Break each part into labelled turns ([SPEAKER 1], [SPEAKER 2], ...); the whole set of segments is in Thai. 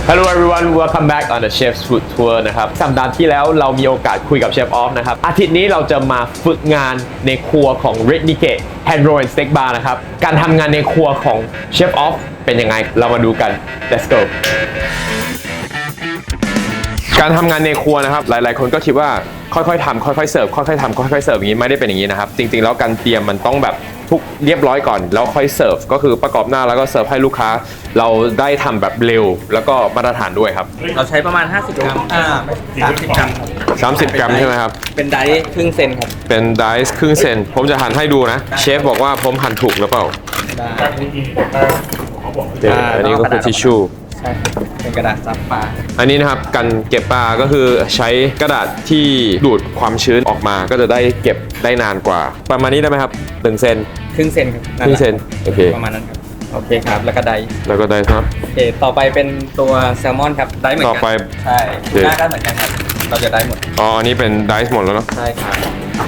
[SPEAKER 1] Hello everyone, welcome back on the Chef's Food Tour นะครับสัปดาห์ที่แล้วเรามีโอกาสคุยกับเชฟออฟนะครับอาทิตย์นี้เราจะมาฝึกงานในครัวของ Red Nikkei Hand Roll and Steak Bar นะครับการทำงานในครัวของเชฟออฟเป็นยังไงเรามาดูกัน Let's go การทำงานในครัวนะครับหลายๆคนก็คิดว่าค่อยๆทำค่อยๆเสิร์ฟค่อยๆทำค่อยๆเสิร์ฟอย่างนี้ไม่ได้เป็นอย่างนี้นะครับจริงๆแล้วการเตรียมมันต้องแบบทุกเรียบร้อยก่อนแล้วค่อยเสิร์ฟก็คือประกอบหน้าแล้วก็เสิร์ฟให้ลูกค้าเราได้ทำแบบเร็วแล้วก็มาตรฐานด้วยครับ
[SPEAKER 2] เราใช้ประมาณ50 กรัม30 กรัม
[SPEAKER 1] 30 กรัมใช่ไหมครับ
[SPEAKER 2] เป็นไดซ์ครึ่งเซนครับ
[SPEAKER 1] เป็นไดซ์ครึ่งเซนผมจะหั่นให้ดูนะเชฟบอกว่าผมหั่นถูกหรือเปล่าอันนี้ก็คือทิชชู่
[SPEAKER 2] ใช่เป็นกระดาษซับปลา
[SPEAKER 1] อันนี้นะครับการเก็บปลาก็คือใช้กระดาษที่ดูดความชื้นออกมาก็จะได้เก็บได้นานกว่าประมาณนี้ได้ไหมครับ1 เซน
[SPEAKER 2] ครึ่งเซนครับ
[SPEAKER 1] ครึ่งเซนโอเค
[SPEAKER 2] ประมาณนั้นครับโอเคครับแล้วก็ไดซ์
[SPEAKER 1] ครับ
[SPEAKER 2] โอเคต่อไปเป็นตัวแซลมอนครับไดซ์เหมือนกัน
[SPEAKER 1] ต่อไป
[SPEAKER 2] ใช่หน้าก็เหมือนกันครับเราจะไดซ์หมด
[SPEAKER 1] อ๋ออันนี้เป็นไดซ์หมดแล้วเนาะ
[SPEAKER 2] ใช่ครับ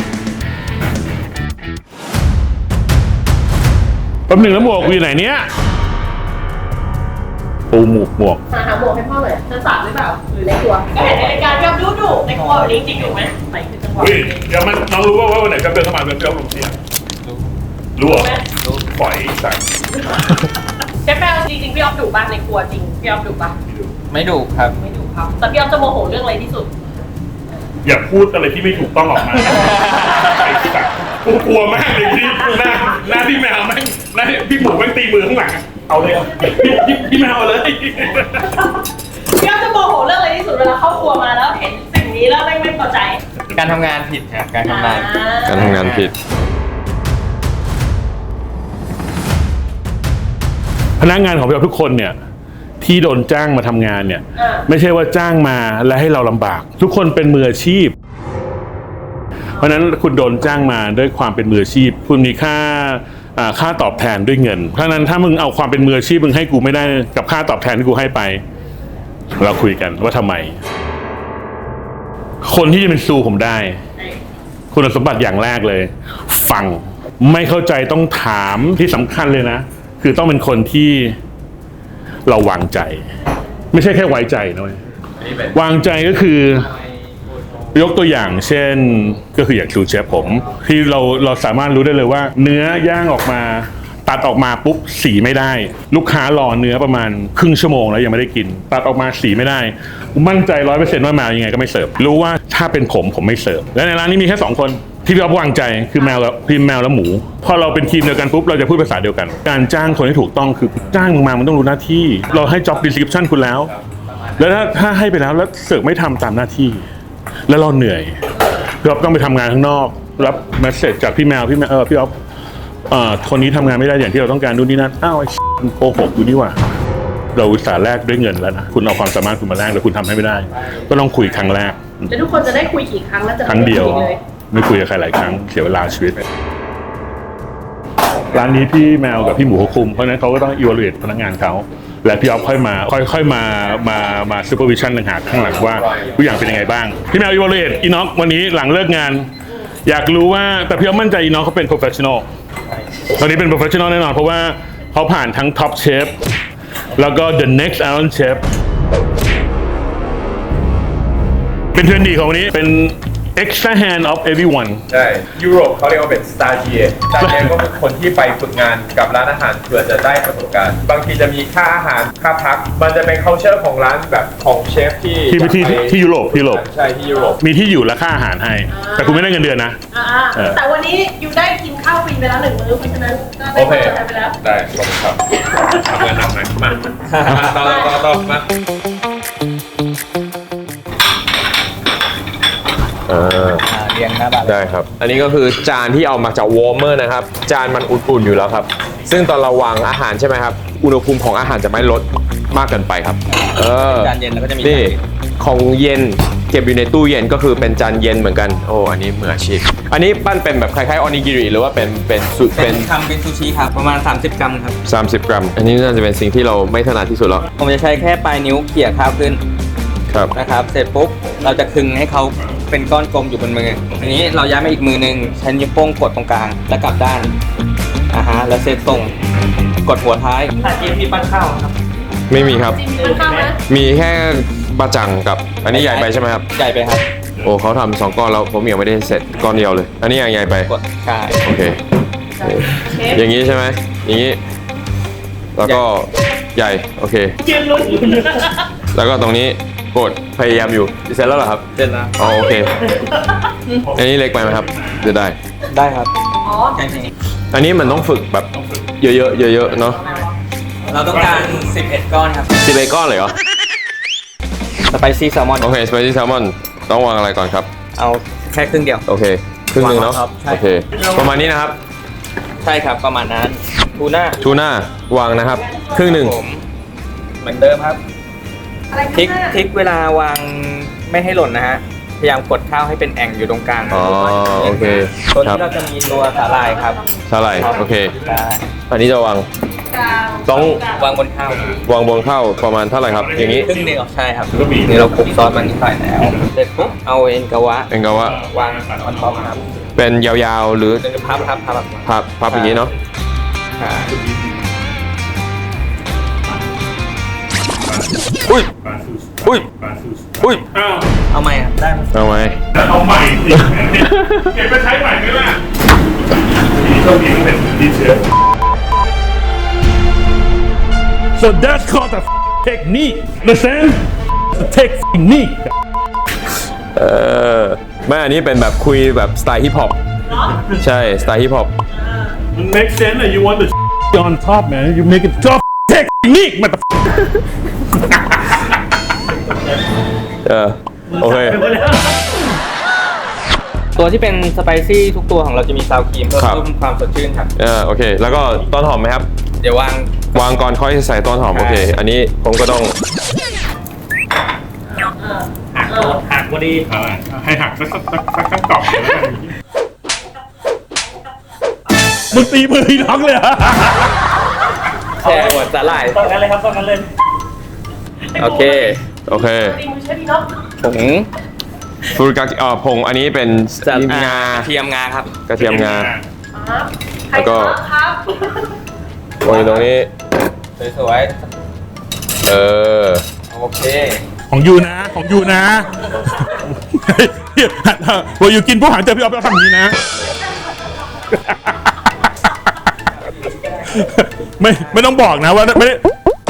[SPEAKER 3] แป๊บหนึ่งแล้วหมวกอยู่ไหนเนี้ยปูหมวก
[SPEAKER 4] หาหมวกให้พ่อเลยจะสาดหรือเปล่าหรือในครัวก็เห็นในรายการพี่อ๊อฟดูในครัววันนี้จริงอยู่ไหมใส่คือจังหวะ
[SPEAKER 3] เดี๋ยวมันน้องรู้ว่าวันไหนจะเดินเข้ามาเป็นเจ้าลงเสียรู้เหรอปล่อยสั่ง
[SPEAKER 4] เชฟแป้งจริงๆพี่อ๊อฟดุบ้างในครัวจริงพี่อ๊อฟดุบ้าง
[SPEAKER 2] ไม่ดุครับ
[SPEAKER 4] ไม่ดุครับแต่พี่อ๊อฟจะโมโหเรื่องอะไรที่สุด
[SPEAKER 3] อย่าพูดอะไรที่ไม่ถูกต้องออกมาไอ้สัตว์กูกลัวมากเลยที่หน้าพี่แมวแม่งหน้าพี่หมูแม่งตีมือข้างหลังเอาเลยพี่แมวเลย
[SPEAKER 4] พี่อ๊อฟจะโมโหเรื่องอะไรที่สุดเวลาเข้าครัวมาแล้วเห็นสิ่งนี้แล้วไม่พอใจ
[SPEAKER 2] การทำงานผิดครับการทำงาน
[SPEAKER 1] ผิด
[SPEAKER 3] พนักงานของเราทุกคนเนี่ยที่โดนจ้างมาทำงานเนี่ยไม่ใช่ว่าจ้างมาแล้วให้เราลำบากทุกคนเป็นมืออาชีพเพราะฉะนั้นคุณโดนจ้างมาด้วยความเป็นมืออาชีพคุณมีค่าตอบแทนด้วยเงินเพราะฉะนั้นถ้ามึงเอาความเป็นมืออาชีพมึงให้กูไม่ได้กับค่าตอบแทนที่กูให้ไปเราคุยกันว่าทำไมคนที่จะเป็นซูผมได้คุณสมบัติอย่างแรกเลยฟังไม่เข้าใจต้องถามที่สำคัญเลยนะคือต้องเป็นคนที่เราวางใจไม่ใช่แค่ไว้ใจนะเว้ยวางใจก็คือยกตัวอย่างเช่นก็คืออย่างซูเชฟผมที่เราสามารถรู้ได้เลยว่าเนื้อย่างออกมาตัดออกมาปุ๊บสีไม่ได้ลูกค้ารอเนื้อประมาณครึ่งชั่วโมงแล้วยังไม่ได้กินตัดออกมาสีไม่ได้มั่นใจ 100% ว่าแมวยังไงก็ไม่เสิร์ฟรู้ว่าถ้าเป็นผมไม่เสิร์ฟและในร้านนี้มีแค่2 คนที่พี่อ๊อฟวางใจคือแมวและหมูพอเราเป็นทีมเดียวกันปุ๊บเราจะพูดภาษาเดียวกันการจ้างคนให้ถูกต้องคือจ้างมึงมามันต้องรู้หน้าที่เราให้ job description คุณแล้วถ้าให้ไปแล้วเสิร์ฟไม่ทำตามหน้าที่แล้วเราเหนื่อยพี่อ๊อฟต้องไปทำงานข้างนอกรับเมสเสจจากพี่แมวพี่อ๊อฟคนนี้ทำงานไม่ได้อย่างที่เราต้องการดูนี่นั่นอ้าวไอ้โกหกอยู่นี่ว่าเราอุตส่าห์แลกด้วยเงินแล้วนะคุณเอาความสามารถคุณมาแลกแล้วคุณทำให้ไม่ได้ก็ต้องคุยครั้งแรก
[SPEAKER 4] แล้วทุกคนจะได้คุยกี่ครั้งแล้วจะ
[SPEAKER 3] ครั้งเดียวไม่คุยกับใครหลายครั้งเสียเวลาชีวิตร้านนี้พี่แมวกับพี่หมูเขาคุมเพราะฉะนั้นเขาก็ต้อง evaluate พนักงานเขาและพี่อ๊อฟค่อยมาซูเปอร์วิชั่นต่างหากข้างหลังว่าทุกอย่างเป็นยังไงบ้างพี่แมว evaluate อีน็อกวันนี้หลังเลิกงานอยากรู้ว่าแต่พี่อ๊อฟมั่นใจอีน็อกเขาเป็น professional ตอนนี้เป็น professional แน่นอนเพราะว่าเขาผ่านทั้ง top chef แล้วก็ the next Iron Chef เป็นเทรนดีของวันนี้เป็น extra hand of everyone
[SPEAKER 1] ใช่ยุโรปเขาเรียกว่าเป็น stagiaire ก็คือคนที่ไปฝึกงานกับร้านอาหารเพื่อจะได้ประสบการณ์บางทีจะมีค่าอาหารค่าพักมันจะเป็น culture ของร้านแบบของเชฟ
[SPEAKER 3] ที่ยุโรป
[SPEAKER 1] ใช่ที่ยุโรป
[SPEAKER 3] มีที่อยู่และค่าอาหารให้แต่คุณไม่ได้เงินเดือนนะ
[SPEAKER 4] แต่วันนี้อยู่ได้กินข้าวฟรีไปแล้ว1 มื้อเพราะฉะนั้น
[SPEAKER 1] โอเคได้ขอบคุณครับทำงานหนักหน่อยมาต่อมา
[SPEAKER 2] เรียงหน้าบ้าน
[SPEAKER 1] ได้ครับอันนี้ก็คือจานที่เอามาจากวอร์เมอร์นะครับจานมันอุ่นๆอยู่แล้วครับซึ่งตอนเราวางอาหารใช่ไหมครับอุณหภูมิของอาหารจะไม่ลดมากเกินไปครับ
[SPEAKER 2] จานเย็นแล้วก็จะมี
[SPEAKER 1] นี่ของเย็นเก็บอยู่ในตู้เย็นก็คือเป็นจานเย็นเหมือนกันโอ้อันนี้มืออาชีพอันนี้ปั้นเป็นแบบคล้ายๆออนิกิริหรือว่าเป็น
[SPEAKER 2] ทำเป็นซูชิครับประมาณ30 กรัมครับ
[SPEAKER 1] 30 กรัมอันนี้น่าจะเป็นสิ่งที่เราไม่ถนัดที่สุดแล้ว
[SPEAKER 2] ผมจะใช้แค่ปลายนิ้วเขี่ยข้าวขึ้นนะครับเสร็จปุ๊บเราจะคึงให้เขาเป็นก้อนกลมอยู่บนมืออันนี้เราย้ายมาอีกมือนึงใช้นิ้วโป้งกดตรงกลางแล้วกลับด้านแล้วเซตตรงกดหัวท้าย
[SPEAKER 4] เกมที่ปั้นข้าวครับ
[SPEAKER 1] ไม่มีครับ
[SPEAKER 4] จริงมีค่อนข้างไหม
[SPEAKER 1] มีแค่บะจังกับ อันนี้ใหญ่ไปใช่ไหมครับ
[SPEAKER 2] ใหญ่ไปครับ
[SPEAKER 1] โอ้เขาทำ2 ก้อนแล้วผมยังไม่ได้เสร็จก้อนเดียวเลย อันนี้ยังใหญ่ไป
[SPEAKER 2] กดใช่
[SPEAKER 1] โอเค
[SPEAKER 4] เชฟ
[SPEAKER 1] อย่างนี้ใช่ไหมอย่างนี้ แล้วก็ใหญ่ โอเค
[SPEAKER 4] เกมลุ้น
[SPEAKER 1] แล้วก็ตรงนี้กดพยายามอยู่เสร็จแล้วเหรอครับ
[SPEAKER 2] เสร็จแล้ว
[SPEAKER 1] อ๋อโอเค อันนี้เล็กไปไหมครับจะได้
[SPEAKER 2] ได้ครับ
[SPEAKER 4] อ๋อ
[SPEAKER 2] แค่นี้
[SPEAKER 1] อันนี้มันต้องฝึกแบบเยอะๆเยอะๆเนาะ
[SPEAKER 2] เราต้องการ 11 ก้อนครับ
[SPEAKER 1] 11 ก้อนเลยเหรอ
[SPEAKER 2] สไปซี่แซลมอน
[SPEAKER 1] โอเค สไปซี่แซลมอนต้องวางอะไรก่อนครับ
[SPEAKER 2] เอาแค่ครึ่งเดียว
[SPEAKER 1] โอเค ครึ่งหนึงเนาะ
[SPEAKER 2] วางครับใช่
[SPEAKER 1] โอเค ประมาณนี้นะครับ
[SPEAKER 2] ใช่ครับประมาณนั้นทูน่า
[SPEAKER 1] ทูน่าวางนะครับ ครึ่งหนึ่ง
[SPEAKER 2] ผมเหมือนเดิมครับ
[SPEAKER 4] อะไร
[SPEAKER 2] พลิก
[SPEAKER 4] ข้างหน้า
[SPEAKER 2] พลิกเวลาวางไม่ให้หล่นนะฮะ พยายามกดข้าวให้เป็นแอ่งอยู่ตรงกลาง
[SPEAKER 1] อ๋อ โอเค
[SPEAKER 2] ตัว
[SPEAKER 1] ครั
[SPEAKER 2] นี้
[SPEAKER 1] บ
[SPEAKER 2] เราจะมีตัวสาหร่ายครับ
[SPEAKER 1] เท่าไหร่โอเค
[SPEAKER 2] ใช่
[SPEAKER 1] อันนี้จะวาง
[SPEAKER 4] กลาง
[SPEAKER 1] ต้อง
[SPEAKER 2] วางบนข้าว
[SPEAKER 1] วางบนข้าวประมาณเท่าไหร่ครับ อย่างนี้
[SPEAKER 2] ครึ่งเดียวใช่ครับนี่เราคลุกซอสมันนิดหน่อยแล้วเสร็จปุ๊บเอาเอ็นกาวะ
[SPEAKER 1] เป็นก็ว่าว
[SPEAKER 2] างออนท็อปครับ
[SPEAKER 1] เป็นยาวๆหรือ
[SPEAKER 2] เป็นพับ
[SPEAKER 1] พับอย่างนี้เนาะ
[SPEAKER 2] ใช่
[SPEAKER 1] อุ้ย อุ้ย อุ้ย
[SPEAKER 3] อ้าว
[SPEAKER 2] เอาไหมครับได้ไหม
[SPEAKER 1] เอาไหม
[SPEAKER 3] เอาใหม่สิเก็บไปใช้ใหม่ไหมล่ะนี่ต้องมีเป็นดีเชฟ So that's called a technique. Listen, a technique.
[SPEAKER 1] ไม่อันนี้เป็นแบบคุยแบบสไตล์ฮิปฮอป
[SPEAKER 4] เนาะ
[SPEAKER 1] ใช่ สไตล์ฮิปฮอป
[SPEAKER 3] It makes sense that you want the on top, man. You make it top technique, motherfucker.
[SPEAKER 1] โอเค
[SPEAKER 2] ตัวที่เป็นสไปซี่ทุกตัวของเราจะมีซาวครีมเพื่อ
[SPEAKER 1] ครับ
[SPEAKER 2] เพิ่มความสดชื่นครับ
[SPEAKER 1] โอเค แล้วก็ต้นหอมไหมครับ
[SPEAKER 2] เดี๋ยววาง
[SPEAKER 1] วางก่อนค่อยใส่ต้นหอม โอเค อันนี้ผมก็ต้อง
[SPEAKER 2] หักพอดี
[SPEAKER 3] ให้หักสักกล่องมึงตีมือพี่น้องเลยอะ
[SPEAKER 2] แช่หัวสาหร่าย
[SPEAKER 4] ต้องกันเลยครับต้องกันเลย
[SPEAKER 2] โอเค
[SPEAKER 1] โอเค
[SPEAKER 4] ดีมือใช่ดีเนาะ
[SPEAKER 2] ผง
[SPEAKER 1] ฟูริกาผงอันนี้เป็น
[SPEAKER 2] สาห
[SPEAKER 1] งา
[SPEAKER 2] กระเทียมงาครับ
[SPEAKER 1] กระเทียมงา
[SPEAKER 4] ครับ
[SPEAKER 1] แล้วก็
[SPEAKER 4] ครับ
[SPEAKER 1] วางอยู่ตรงนี้
[SPEAKER 2] สวย ๆโอเค
[SPEAKER 3] ของยูนะ ของยูนะพออยู่กินผู้หางเจอพี่อ๊อฟแล้วทำอย่างนี้นะ ไม่ต้องบอกนะว่าไม่ได้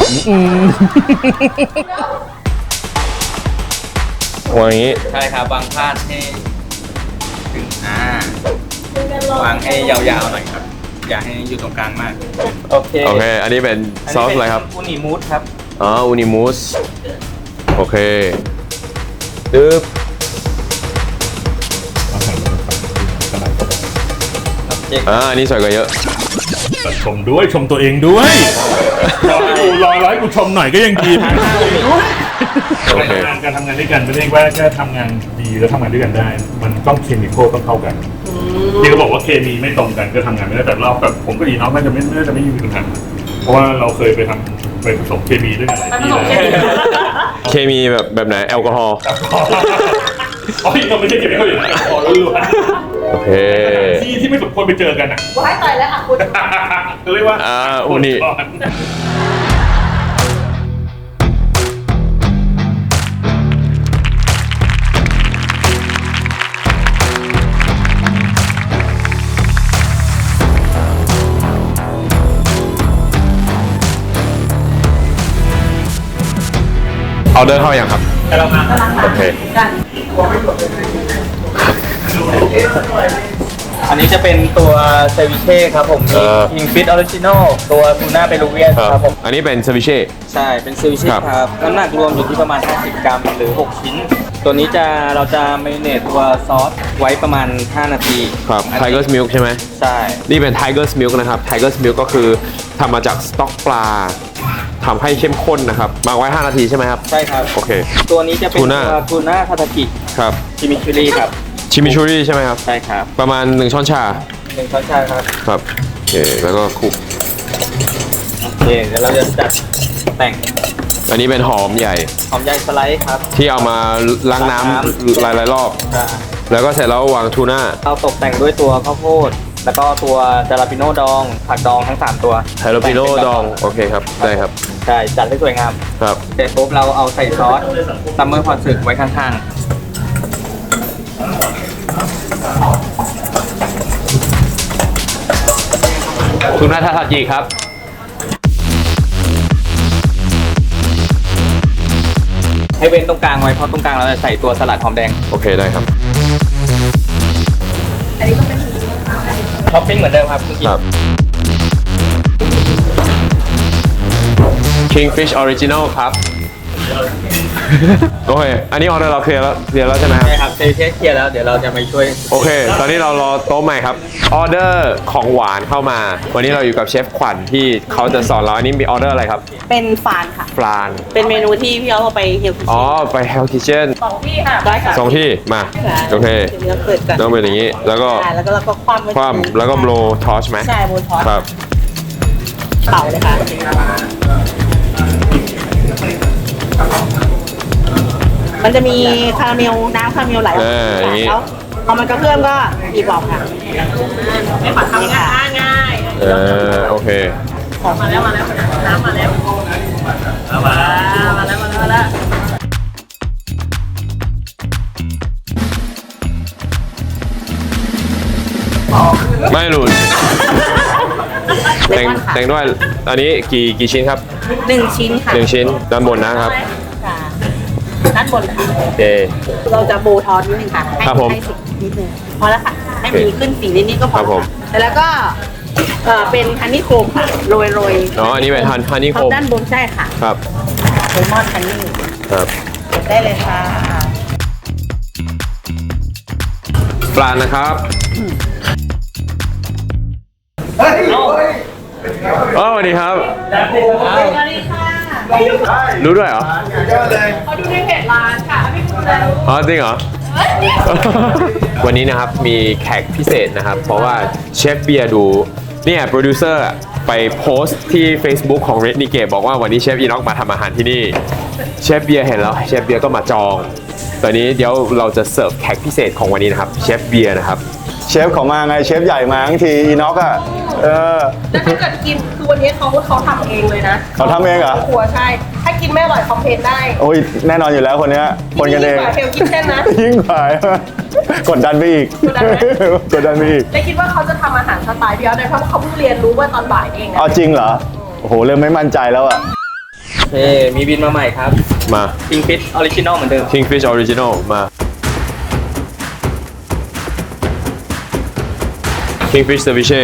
[SPEAKER 1] วางอย่างนี้
[SPEAKER 2] ใช่ครับวางพาดให้ถึงวางให้ยาวๆหน่อยครับ อย่าให้อยู่ตรงกลางมาก โอเค
[SPEAKER 1] โอเค อันนี้เป็นซอสอะไรครับ
[SPEAKER 2] อูนิมูสครับ
[SPEAKER 1] อ๋อ อูนิมูส โอเคตึ๊บ อันนี้สวยกว่าเยอะ
[SPEAKER 3] ชมด้วยชมตัวเองด้วยรอให้กูชมหน่อยก็ยังดี
[SPEAKER 1] โอเค
[SPEAKER 3] การทำงานด้วยกันไม่ได้ว่าแค่ทำงานดีแล้วทำงานด้วยกันได้ มันต้องเคมีต้องเข้ากันที่เขาบอกว่าเคมีไม่ตรงกันก็ทำงานไม่ได้แต่เราแบบผมก็ดีน้องน่าจะไม่มีปัญหาเพราะว่าเราเคยไปผสมเคมีด้วยกันหลาย
[SPEAKER 4] ผ
[SPEAKER 3] ที่
[SPEAKER 4] สม
[SPEAKER 3] แล้ว
[SPEAKER 4] เคมี
[SPEAKER 1] เคมีแบบไหน แอลกอฮอล์
[SPEAKER 3] อ๋อเราไม่ใช่เคมีเขาอยู่นะอ๋อล้วน
[SPEAKER 1] โอเค
[SPEAKER 3] ๆที่ไม่สมควรไปเจอกันอ่ะ
[SPEAKER 4] ว้ายตายแล้วอ่ะคุณ
[SPEAKER 3] ก็เรียกว่า
[SPEAKER 1] อูนิ เอาเดินเข้ายังครับ โอเค
[SPEAKER 2] อันนี้จะเป็นตัวเซวิเช่ครับผมมีคิงฟิตออริจินอลตัวทูน่าเปรูเวียนครับผม
[SPEAKER 1] อันนี้เป็นซาวิเช่
[SPEAKER 2] ใช่ เป็นเซวิเช่
[SPEAKER 1] ครับ
[SPEAKER 2] ครับ น้ำหนักรวมอยู่ที่ประมาณ 50 กรัมหรือ 6 ชิ้น ตัวนี้เราจะเมริเนตตัวซอสไว้ประมาณ 5 นาที
[SPEAKER 1] ครับ
[SPEAKER 2] อันนี้
[SPEAKER 1] Tiger's Milk ใช่ไหม
[SPEAKER 2] ใช่
[SPEAKER 1] นี่เป็น Tiger's Milk นะครับ Tiger's Milk ก็คือทำมาจากสต๊อกปลาทำให้เข้มข้นนะครับมาไว้ 5 นาทีใช่ไหมครับ
[SPEAKER 2] ใช่ครับ
[SPEAKER 1] โอเค
[SPEAKER 2] ตัวนี้จะเป็น
[SPEAKER 1] ทูน่า
[SPEAKER 2] ตัวทูน่าทาทากิ
[SPEAKER 1] ครับ
[SPEAKER 2] ชิมิชูรี่ครับ
[SPEAKER 1] ชิมิชูรี่ใช่ไหมครับ
[SPEAKER 2] ใช่ครับ
[SPEAKER 1] ประมาณ 1 ช้อนชา
[SPEAKER 2] 1 ช้อนชาครับ
[SPEAKER 1] ครับ โอเค แล้วก็คลุก
[SPEAKER 2] โอเค เดี๋ยวเราจะจัดแต่ง
[SPEAKER 1] อันนี้เป็นหอมใหญ่
[SPEAKER 2] หอมใหญ่สไลด์ครับ
[SPEAKER 1] ที่เอามาล้างน้ำหลายๆรอบ
[SPEAKER 2] อ่า
[SPEAKER 1] แล้วก็เสร็จแล้ววางทูน่า
[SPEAKER 2] เราตกแต่งด้วยตัวข้าวโพดแล้วก็ตัวจาราปิโน่ดองผักดองทั้ง 3 ตัว
[SPEAKER 1] ไฮโลปิโนดองโอเคครับได้ครับ
[SPEAKER 2] ใช่จัดให้สวยงาม
[SPEAKER 1] ครับ
[SPEAKER 2] เสร็จปุ๊บเราเอาใส่ซอสซัมเมอร์พอสึไว้ข้าง
[SPEAKER 1] ทูน่าทาทาจิครับ
[SPEAKER 2] ๆ ให้เว้นตรงกลางไว้เพราะตรงกลางเราจะใส่ตัวสลัดหอมแดง
[SPEAKER 1] โอเคได้ครับ
[SPEAKER 2] ท็อปปิ้งเหมือนเดิมครับเมื่อกี้
[SPEAKER 1] ครับ Kingfish Original ครับ โอเค อันนี้ออเดอร์เราเคลียร์แล้วใช่ไหมครับ
[SPEAKER 2] ใช่ครับเทเคลียร์แล้วเดี๋ยวเราจะไปช่วย
[SPEAKER 1] โอเค ตอนนี้เรารอโต๊ะใหม่ครับ ออเดอร์ของหวานเข้ามา วันนี้เราอยู่กับเชฟขวัญที่เขาจะสอนเรา อันนี้มีออเดอร์อะไรครับ
[SPEAKER 5] เป็นฟานค่ะ
[SPEAKER 1] ปลาน
[SPEAKER 5] เป็นเมนูที่พี่เอาไปเฮลคิ
[SPEAKER 1] อ๋อ ไป Hell Kitchen
[SPEAKER 4] 2 ที่ค่ะ
[SPEAKER 5] ได้ค่ะ
[SPEAKER 1] สองที่ มา โอเค
[SPEAKER 5] เดี๋ยวเราเปิดกัน
[SPEAKER 1] ต้องเป็นอย่างนี้ แล้วก็
[SPEAKER 5] แล้วก็เราก็คว่ำไว้
[SPEAKER 1] คว่ำแล้วก็ blow torch ไหม
[SPEAKER 5] ใช่โบทอส
[SPEAKER 1] ครับ
[SPEAKER 5] เป่าเลยค่ะ มันจะมีคาราเมลน้ำคาราเมลไหลออกมา
[SPEAKER 1] อย่างงี้
[SPEAKER 5] แล้วพอมันกระเพื่อมก็บีบออกค่ะ
[SPEAKER 4] ไม่ปัดทำง่ายง่าย
[SPEAKER 1] โอเค
[SPEAKER 4] มาแล้วน้ำมาแล้วมาแล้ว
[SPEAKER 1] ไม่หลุด
[SPEAKER 5] เล
[SPEAKER 1] แต่ง
[SPEAKER 5] มอนค่ะ
[SPEAKER 1] แต่งด้วย อันนี้กี่ชิ้นครับ
[SPEAKER 5] 1 ชิ้นค่ะ
[SPEAKER 1] 1 ชิ้น ด้านบนนะครับ
[SPEAKER 5] ค่ะด้านบนค่ะ
[SPEAKER 1] โอเค
[SPEAKER 5] เราจะโบทอสนิดนึงค่ะ ให้
[SPEAKER 1] ครับผม
[SPEAKER 5] ให้สีนิดนึงพอแล้วค่ะ ให้
[SPEAKER 1] โอเค
[SPEAKER 5] มีขึ้นสีนิดๆก็พอ
[SPEAKER 1] ครับผม
[SPEAKER 5] ค่ะแล้วก็เป็นฮันนี่โคมค่ะโรย
[SPEAKER 1] อ๋อ อันนี้เป็นฮันนี่โค
[SPEAKER 5] ท็อป
[SPEAKER 1] ม
[SPEAKER 5] ด้านบนใช่ค่ะ
[SPEAKER 1] ครับ
[SPEAKER 5] เลมอนฮันนี่
[SPEAKER 1] ครับ
[SPEAKER 5] ได้เลยค่ะ
[SPEAKER 1] ปลานะครับอ๋อสวัสดีครับ
[SPEAKER 4] สวัสดีค่ะ
[SPEAKER 1] รู้ด้วยเหรอ
[SPEAKER 4] เขาดูในเพจร้านค่ะไม่รู้แล้ว
[SPEAKER 1] อ๋อจริงเหรอ วันนี้นะครับมีแขกพิเศษนะครับ เพราะว่าเชฟเบียร์ดูเนี่ยโปรดิวเซอร์ไปโพสต์ที่ Facebook ของ Red n i g a t e บอกว่าวันนี้เชฟอีน็อกมาทำอาหารที่นี่เชฟเบียร์เห็นแล้วเชฟเบียร์ก็มาจองตอนนี้เดี๋ยวเราจะเสิร์ฟแขกพิเศษของวันนี้นะครับเชฟเบียร์นะครับ
[SPEAKER 6] เชฟเขามาไงเชฟใหญ่มาทั้งทีอีน็อกอ่ะ
[SPEAKER 4] แล้วถ้าเกิดกินคือวันนี้เขาทำเองเลยนะ
[SPEAKER 6] เขาทำเองเหรอ
[SPEAKER 4] ครัวใช่ ถ้ากินไม่อร่อยคอมเพลนได้
[SPEAKER 6] โอ้ยแน่นอนอยู่แล้วคนเนี้ยคนกันเอง
[SPEAKER 4] ยิ่งกว่าเฮลคิทเช่นนะ
[SPEAKER 6] ยิ่งกว่าก ดดันไปอีก
[SPEAKER 4] กดดันไหม
[SPEAKER 6] กดดันไปอีก
[SPEAKER 4] ได้คิดว่าเขาจะทำอาหารสไตล์พี่อ๊อฟได้เพราะเขาเพิ่งเรียนรู้ว่าตอนบ่ายนี่เองนะ
[SPEAKER 6] เอาจริงเหรอโอ้โหเริ่มไม่มั่นใจแล้วอ่ะ
[SPEAKER 2] เฮ้มีบินมาใหม่ครับ
[SPEAKER 1] มา
[SPEAKER 2] King Fish Original เหมือนเดิม
[SPEAKER 1] Kingfish Original มา Kingfish Ceviche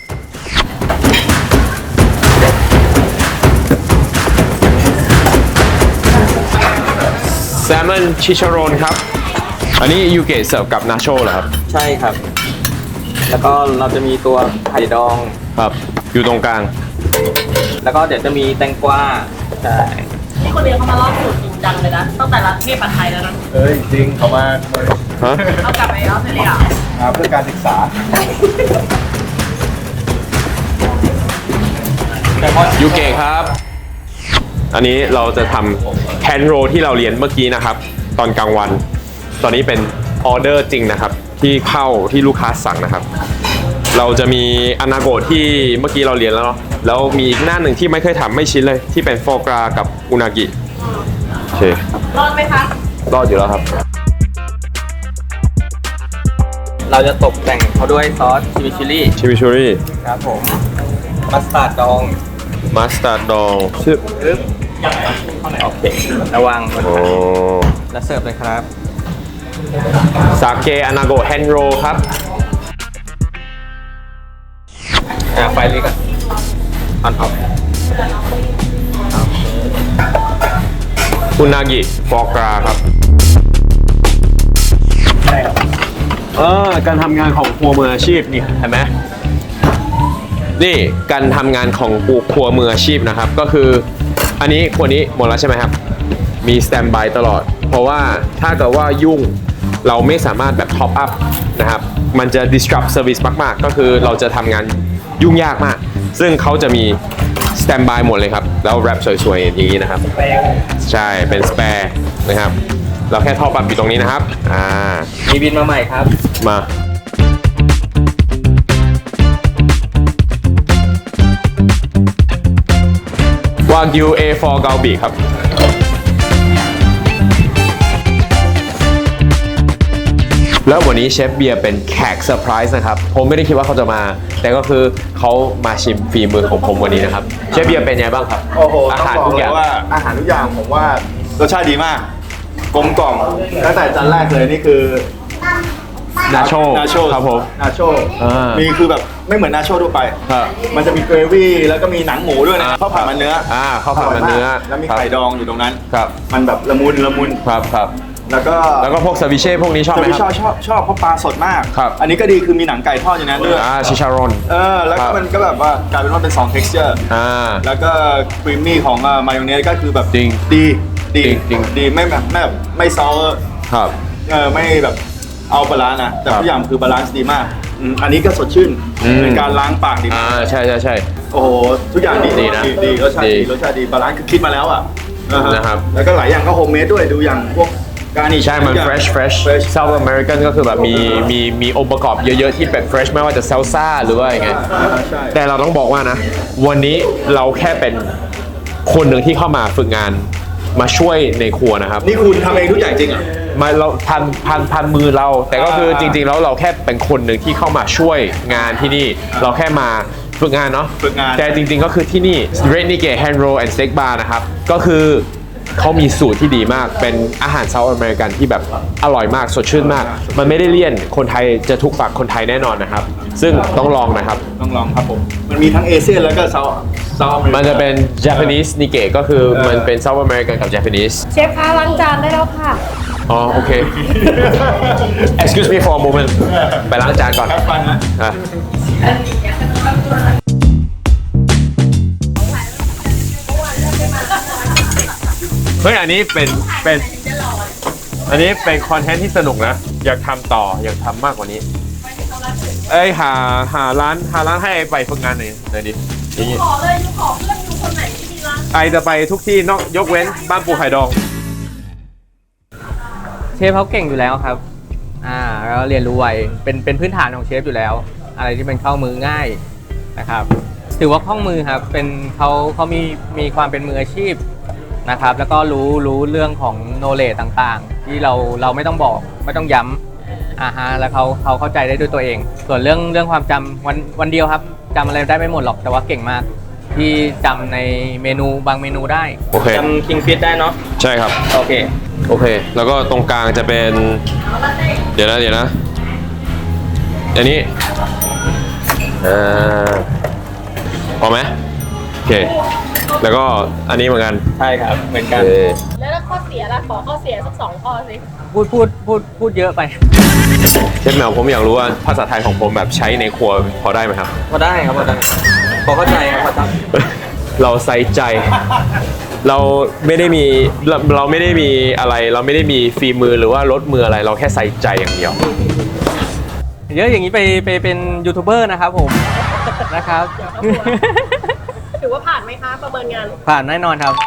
[SPEAKER 1] Salmon Chicharron ครับ อันนี้ยูเกะเสิร์ฟกับนาโชเหรอครับ
[SPEAKER 2] ใช่ครับ แล้วก็เราจะมีตัวไข่ดอง
[SPEAKER 1] ครับ อยู่ตรงกลาง
[SPEAKER 2] แล้วก็เดี๋ยวจะมีแตงกวาใช่
[SPEAKER 4] นี่คนเรียนเขามาลอกสูตรจริงจังเลยนะตั้งแต่ร้านเทพปัดไทยแล้วนะ
[SPEAKER 6] เฮ้ยจริงเขามา
[SPEAKER 1] ฮะ
[SPEAKER 4] เอากลับไปออสเตรเลีย
[SPEAKER 6] เพื่อการศึกษา
[SPEAKER 1] ยูเกะครับ อันนี้เราจะทำแคนโรที่เราเรียนเมื่อกี้นะครับ ตอนกลางวัน ตอนนี้เป็นออเดอร์จริงนะครับ ที่เข้าที่ลูกค้าสั่งนะครับ เราจะมีอนาโกะที่เมื่อกี้เราเรียนแล้วเนาะแล้วมีอีกหน้าหนึ่งที่ไม่เคยทำไม่ชิ้นเลย ที่เป็นโฟกรากับอุนากิโอเค
[SPEAKER 4] รอดไหมคะ
[SPEAKER 1] รอดอยู่แล้วครับ
[SPEAKER 2] เราจะตกแต่งเขาด้วยซอสชิมิชิลี่
[SPEAKER 1] ชิมิชูรี่
[SPEAKER 2] ครับผม มัสตาร์ดดอง
[SPEAKER 1] มัสตาร์ดดองชื่อ
[SPEAKER 2] ปึ๊บโอเค ระวัง
[SPEAKER 1] โอ้
[SPEAKER 2] แล้วเสิร์ฟเลยครับ
[SPEAKER 1] ซาเกะอนาโกะแฮนโรครับ
[SPEAKER 2] ไฟเล็กอ่ะออนออฟ
[SPEAKER 1] อุนากิฟอกราครับการทำงานของครัวมืออาชีพนี่เห็นไหมนี่การทำงานของครัวมืออาชีพนะครับ ก็คืออันนี้ครัวนี้หมดแล้วใช่ไหมครับ มีสแตนบายตลอด เพราะว่าถ้าเกิดว่ายุ่งเราไม่สามารถแบบท็อปอัพนะครับ มันจะ disrupt service มากๆ ก็คือเราจะทำงานยุ่งยากมาก ซึ่งเขาจะมีสแตนบายหมดเลยครับ แล้วแรปสวยๆอย่างนี้นะครับ ใช่ เป็นสเปร์นะครับ เราแค่ท็อปอัพอยู่ตรงนี้นะครับ
[SPEAKER 2] มีบินมาใหม่ครับ
[SPEAKER 1] มาวากิว A4 เกาบีครับแล้ววันนี้เชฟเบียร์เป็นแขกเซอร์ไพรส์นะครับผมไม่ได้คิดว่าเขาจะมาแต่ก็คือเขามาชิมฝีมือของผมวันนี้นะครับเชฟเบียร์เป็นไงบ้างครับ
[SPEAKER 6] โอ้โห
[SPEAKER 1] อา
[SPEAKER 6] ต้อง
[SPEAKER 1] หาร
[SPEAKER 6] บอก
[SPEAKER 1] ทุก
[SPEAKER 6] เล
[SPEAKER 1] อย่าง
[SPEAKER 6] ยว่าอาหารทุกอย่างผมว่ารสชาติดีมากกลมกล่อมตั้งแต่จานแรกเลยนี่คือ
[SPEAKER 1] นาโช
[SPEAKER 6] นาโช
[SPEAKER 1] ครับผม
[SPEAKER 6] นาโช
[SPEAKER 1] อ่ามี
[SPEAKER 6] มีคือแบบไม่เหมือนนาโชทั่วไป
[SPEAKER 1] ครับ
[SPEAKER 6] มันจะมีเกรวี่แล้วก็มีหนังหมูด้วยนะข้าวผัดมันเนื้อ
[SPEAKER 1] ข้าวผัดมันเนื้อ
[SPEAKER 6] แล้วมีไข่ดองอยู่ตรงนั้น
[SPEAKER 1] ครับ
[SPEAKER 6] มันแบบละมุนละมุน
[SPEAKER 1] ครับครับ
[SPEAKER 6] แล้วก็
[SPEAKER 1] แล้วก็พวกซาวิเช่พวกนี้ชอบไหม
[SPEAKER 6] จะไม่
[SPEAKER 1] ครับ
[SPEAKER 6] ชอบเพราะปลาสดมาก
[SPEAKER 1] ครับ
[SPEAKER 6] อันนี้ก็ดีคือมีหนังไก่ทอดอยู่ในนั้นด้วย
[SPEAKER 1] ชิชารอน
[SPEAKER 6] แล้ว
[SPEAKER 1] ครั
[SPEAKER 6] ก็
[SPEAKER 1] บ
[SPEAKER 6] มันก็แบบว่ากลายเป็นว่าเป็น2 texture แล้วก็ครีมมี่ของมายองเนสก็คือแบบ
[SPEAKER 1] จริง
[SPEAKER 6] ดี
[SPEAKER 1] จริง
[SPEAKER 6] ดีไม่แบบไม่ซอส
[SPEAKER 1] ครับ
[SPEAKER 6] ไม่แบบเอาบาลานซ์นะแต่
[SPEAKER 1] ครับ
[SPEAKER 6] ทุกอย่างคือบาลานซ์ดีมากอันนี้ก็สดชื่น เป็นการล้างปากดีมาก
[SPEAKER 1] ใช่ใช่ใช่
[SPEAKER 6] โอ้โหทุกอย่างดี
[SPEAKER 1] ดีนะ
[SPEAKER 6] ดีรสชาติ
[SPEAKER 1] ดี
[SPEAKER 6] ดีรสชาติดีบาลานซ์คือคิดมาแล้วอ่ะฮ
[SPEAKER 1] นะครับ
[SPEAKER 6] แล้วก็หลายอย่างก็โฮมเมดด้วยดูอย่างพวกการนิช
[SPEAKER 1] ใช่ มัน fresh South American ก็คือแบบมีองค์ประกอบเยอะๆที่เป็น fresh ไม่ว่าจะ salsa หรือว่าอย่างไง
[SPEAKER 6] ใช่
[SPEAKER 1] แต่เราต้องบอกว่านะ วันนี้เราแค่เป็นคนหนึ่งที่เข้ามาฝึกงานมาช่วยในครัวนะครับ
[SPEAKER 6] นี่คุณทำเองทุกอย่างจริงเหรอ
[SPEAKER 1] มาเราพันมือเรา แต่ก็คือจริงๆแล้วเราแค่เป็นคนหนึ่งที่เข้ามาช่วยงานที่นี่ เราแค่มาฝึกงานเนาะ
[SPEAKER 6] ฝึกงาน
[SPEAKER 1] แต่จริงๆก็คือที่นี่ Red Nikkei Hand Roll and Steak Bar นะครับก็คือเขามีสูตรที่ดีมากเป็นอาหารเซาท์อเมริกันที่แบบอร่อยมากสดชื่นมาก มันไม่ได้เลี่ยนคนไทยจะถูกปากคนไทยแน่นอนนะครับ ซึ่งต้องลองนะครับ
[SPEAKER 6] ต้องลองครับผม มันมีทั้งเอเชียแล้วก็เซาท์อเมริกา
[SPEAKER 1] มันจะเป็น Japanese Nikkei ก็คือมันเป็น South American กับ Japanese
[SPEAKER 5] เชฟคะล้างจานได้แล้วค่ะ
[SPEAKER 1] อ๋อโอเค excuse me for a moment ไปล้างจานก่อน
[SPEAKER 6] ครับฟันนะ
[SPEAKER 1] อ่ะเฮ้ยอันนี้เป็นอันนี้เป็นคอนเทนต์ที่สนุกนะ อยากทำต่ออยากทำมากกว่านี้ เอ้ยหาร้านให้ไปฝึกงานหน่อยดิอย่างงี้
[SPEAKER 4] ขอเลยยูขอเพื่อนยูคนไหนที่มีร้าน
[SPEAKER 1] ไอจะไปทุกที่นอกยกเว้นบ้านปูไข่ดอง
[SPEAKER 2] เชฟเขาเก่งอยู่แล้วครับแล้วเรียนรู้ไวเป็นพื้นฐานของเชฟอยู่แล้ว อะไรที่เป็นเข้ามือง่ายนะครับ ถือว่าคล่องมือครับ เป็นเขามีความเป็นมืออาชีพนะครับ แล้วก็รู้เรื่องของโนเลจต่างๆ ที่เราไม่ต้องบอกไม่ต้องย้ำแล้วเขาเข้าใจได้ด้วยตัวเอง ส่วนเรื่องความจำวันเดียวครับจำอะไรได้ไม่หมดหรอกแต่ว่าเก่งมากที่จำในเมนูบางเมนูได้
[SPEAKER 1] โอเค
[SPEAKER 2] จำคิงฟิชได้เนาะ
[SPEAKER 1] ใช่ครับ
[SPEAKER 2] โอเค
[SPEAKER 1] โอเค แล้วก็ตรงกลางจะเป็น เดี๋ยวนะอันนี้พอไหมโอเค แล้วก็อันนี้เหมือนกัน
[SPEAKER 2] ใช่ครับเหมือนกัน
[SPEAKER 1] โอเค
[SPEAKER 4] แล้วถ้าข้อเสียล่ะขอข้อเสียสัก2 ข้อสิ
[SPEAKER 2] พูดเยอะไป
[SPEAKER 1] เชฟแมวผมอยากรู้ว่าภาษาไทยของผมแบบใช้ในครัวพอได้ไหมครับ
[SPEAKER 2] พอได้ครับพอได้พอเข้าใจครับพอท
[SPEAKER 1] เราใส่ใจ เราไม่ได้มีอะไร เราไม่ได้มีฝีมือหรือว่ารสมืออะไร เราแค่ใส่ใจอย่างเดียว
[SPEAKER 2] ำเยอะอย่างนี้ไปเป็นยูทูบเบอร์นะครับผม นะครับ
[SPEAKER 4] ถือว่าผ่านไหมคะประเมินงาน
[SPEAKER 2] ผ่านแน่นอนครับ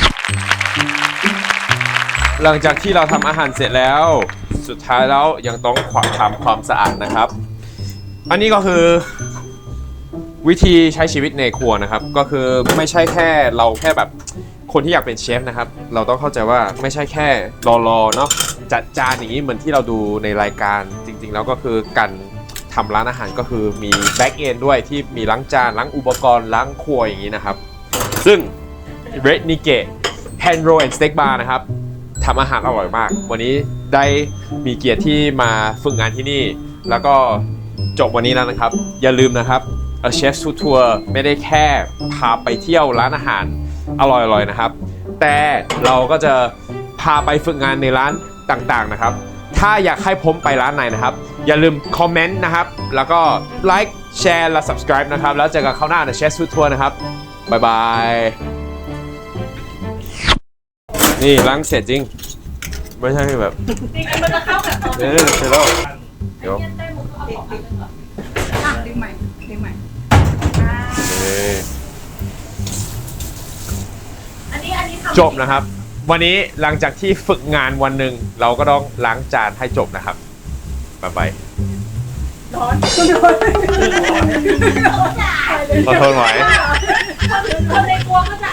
[SPEAKER 1] หลังจากที่เราทำอาหารเสร็จแล้ว สุดท้ายแล้วยังต้องทำความสะอาดนะครับ อันนี้ก็คือวิธีใช้ชีวิตในครัวนะครับ ก็คือไม่ใช่แค่เราแค่แบบคนที่อยากเป็นเชฟนะครับ เราต้องเข้าใจว่าไม่ใช่แค่รอเนาะจัดจานอย่างนี้เหมือนที่เราดูในรายการจริง ๆ แล้วก็คือการทำร้านอาหารก็คือมีแบ็กเอนด้วยที่มีล้างจานล้างอุปกรณ์ล้างครัวอย่างนี้นะครับ ซึ่ง Red Nikkei Hand Roll and Steak Bar นะครับทำอาหารอร่อยมาก วันนี้ได้มีเกียรติที่มาฝึกงานที่นี่ แล้วก็จบวันนี้แล้วนะครับ อย่าลืมนะครับเชฟทูทัวร์ไม่ได้แค่พาไปเที่ยวร้านอาหารอร่อยๆนะครับ แต่เราก็จะพาไปฝึกงานในร้านต่างๆนะครับ ถ้าอยากให้ผมไปร้านไหนนะครับ อย่าลืมคอมเมนต์นะครับ แล้วก็ไลค์แชร์และ subscribe นะครับ แล้วเจอกันคราวหน้าในเชฟทูทัวร์นะครับบ๊ายบายนี่ล้างเสร็จจริง ไม่ใช่แบบ
[SPEAKER 4] จริงๆมันจะเข้ากับตอน
[SPEAKER 1] เสร็จแล้วเดี๋ยว
[SPEAKER 5] ดึงใหม่
[SPEAKER 4] อันนี้ทำ
[SPEAKER 1] จบนะครับ วันนี้หลังจากที่ฝึกงานวันหนึ่งเราก็ต้องล้างจานให้จบนะครับบ๊ายบาย
[SPEAKER 4] ร้อน
[SPEAKER 1] ขอโทษไหม
[SPEAKER 4] คนในครัวก็จะ